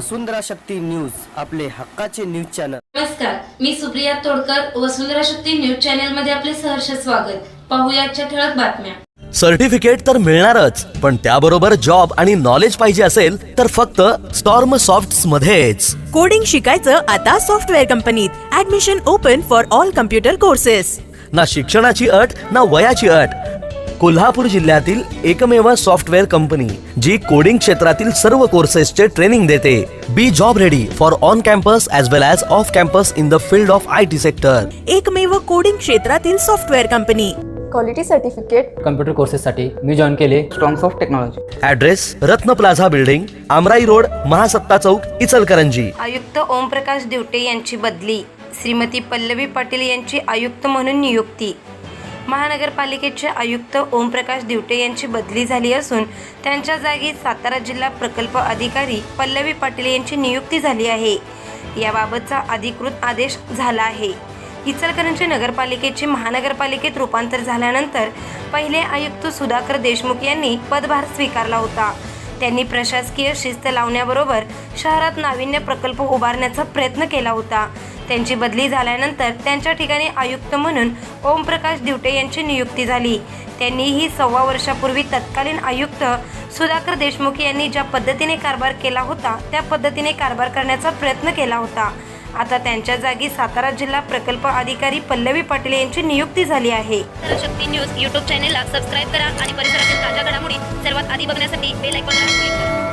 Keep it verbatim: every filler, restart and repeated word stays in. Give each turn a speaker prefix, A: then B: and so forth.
A: वसुंधरा Shakti news, आपले हक्काचे news channel.
B: नमस्कार, मी सुप्रिया तोडकर, वसुंधरा शक्ती न्यूज चॅनल मध्ये आपले सहर्ष स्वागत। पाहूया आजच्या ठळक बातम्या।
C: सर्टिफिकेट तर मिळणारच, पण त्याबरोबर जॉब आणि नॉलेज पाहिजे असेल तर फक्त स्टॉर्म सॉफ्ट्स मध्येच।
D: कोडिंग शिकायचं आता सॉफ्टवेअर कंपनीत। Admission open for all computer courses.
C: ना शिक्षणाची अट ना वयाची अट। कोल्हापूर जिल्ह्यातील एकमेव सॉफ्टवेअर कंपनी जी कोडिंग क्षेत्रातील सर्व कोर्सेसचे ट्रेनिंग देते। Be job ready for on campus as well as off campus in the field of I T sector.
D: एकमेव कोडिंग क्षेत्रातील software company.
E: Quality certificate
F: computer कोर्सेससाठी मी जॉईन केले strongs of technology.
C: Address Ratna plaza building, Amrai road, Mahasatta Chowk, Ichalkaranji.
G: आयुक्त ओमप्रकाश दिवटे यांची बदली। श्रीमती पल्लवी पाटील यांची आयुक्त म्हणून नियुक्ती। महानगरपालिकेचे आयुक्त ओमप्रकाश दिवटे यांची बदली झाली असून त्यांच्या जागी सातारा जिल्हा प्रकल्प अधिकारी पल्लवी पाटील यांची नियुक्ती झाली आहे। याबाबतचा अधिकृत आदेश झाला आहे। इचलकरंजी नगरपालिकेचे महानगरपालिकेत रूपांतर झाल्यानंतर पहिले आयुक्त सुधाकर देशमुख यांनी पदभार स्वीकारला होता। त्यांनी प्रशासकीय शिस्त लावण्याबरोबर शहरात नाविन्य प्रकल्प उभारण्याचा प्रयत्न केला होता। त्यांची बदली झाल्यानंतर त्यांच्या ठिकाणी आयुक्त म्हणून ओमप्रकाश दिवटे यांची नियुक्ती झाली। त्यांनीही सव्वा वर्षापूर्वी तत्कालीन आयुक्त सुधाकर देशमुख यांनी ज्या पद्धतीने कारभार केला होता त्या पद्धतीने कारभार करण्याचा प्रयत्न केला होता। आता त्यांच्या जागी सातारा जिल्हा प्रकल्प अधिकारी पल्लवी पाटील यांची नियुक्ती झाली आहे।
H: शक्ती न्यूज यूट्यूब चॅनेलला सबस्क्राईब करा आणि परिसरातील ताज्या घडामोडी सर्वात आधी बघण्यासाठी बेल आयकॉनला क्लिक करा।